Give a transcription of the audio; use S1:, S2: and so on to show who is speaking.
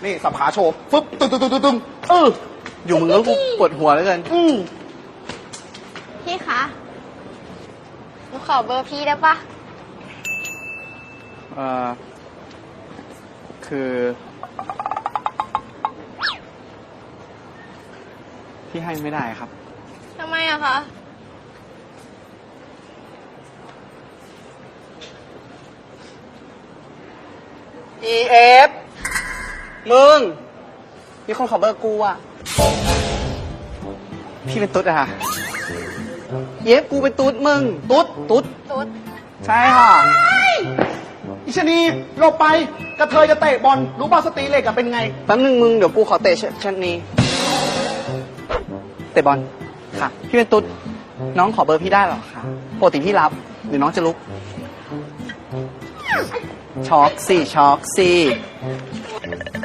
S1: นี่สับขาโชว์ฟึบตึง
S2: อยู่มึงแล้วกูปวดหัวแล้วกัน
S3: พี่คะหนูขอเบอร์พี่ได้ปะ
S2: คือ พี่ให้ไม่ได้ครับ
S3: ทำไมอะคะ
S2: EF มึงมีคนขอเบอร์กูอ่ะ พี่เป็นตุ๊ดอะค่ะ EF กูเป็นตุ๊ดมึง ตุ๊ด
S3: ตุ๊ด
S2: ใช่ค่ะ
S1: อิชนีหลบไปกระเทยจะเตะบอลรู้ป่ะสตรีเหล็กอะเป็นไง
S2: แป๊บนึงมึงเดี๋ยวกูขอเตะชั้นนี้ เตะบอลค่ะ พี่เป็นตุ๊ด น้องขอเบอร์พี่ได้เหรอคะปกติพี่รับหรือน้องจะลุก ช็อกสิ